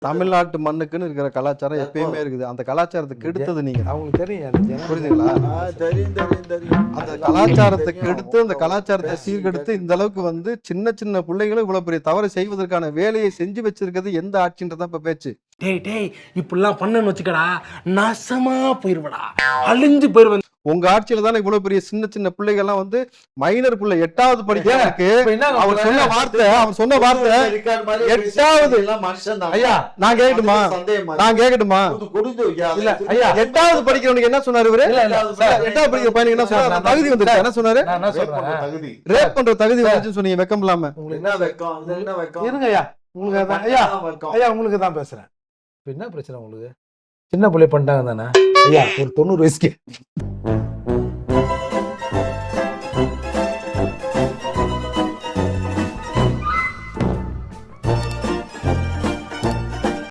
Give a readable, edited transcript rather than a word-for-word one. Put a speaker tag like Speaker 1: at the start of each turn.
Speaker 1: தமிழ்நாட்டு மண்ணுக்குன்னு இருக்கிற கலாச்சாரம் எப்பயுமே இருக்குது. அந்த கலாச்சாரத்தை கெடுத்தது நீங்க.
Speaker 2: அவங்களுக்கு தெரியும்,
Speaker 1: புரியுதுங்களா?
Speaker 3: தெரியும்.
Speaker 1: அந்த கலாச்சாரத்தை கெடுத்து, அந்த கலாச்சாரத்தை சீர்கெடுத்து இந்த அளவுக்கு வந்து சின்ன சின்ன பிள்ளைகளும் இவ்வளவு பெரிய தவறு செய்வதற்கான வேலையை செஞ்சு வச்சிருக்கிறது எந்த ஆட்சின்றதான் இப்ப பேச்சு.
Speaker 2: டேய் இப்படிலாம் பண்ணன்னு வச்சுக்கடா, நாசமா போயிருவடா, அழிஞ்சு போயிருவேன்.
Speaker 1: உங்க ஆட்சியில தானே இவ்வளவு பெரிய சின்ன சின்ன பிள்ளைகள் எல்லாம் வந்து மைனர் பிள்ளை 8வது படிக்கிறதுக்கு அவர் சொன்ன வார்த்தை 8வது. ஐயா நான் கேட்கட்டுமா? இல்ல ஐயா 8வது படிக்கிறவனுக்கு என்ன சொன்னாரு இவரு? 8வது படிக்கிற பையனுக்கு என்ன சொன்னாரு? தகுதி வந்துருச்சு. என்ன சொன்னாரு? ரேப் பண்ற தகுதி வந்துச்சுன்னு சொன்னீங்க. வெக்கம் இல்லாம
Speaker 2: இருங்க ஐயா, உங்களுக்கு தான் ஐயா உங்களுக்கு தான் பேசுறேன். என்ன பிரச்சனை உங்களுக்கு? சின்ன பிள்ளை பண்ணிட்டாங்க தானே ஐயா, ஒரு 90 வயசுக்கு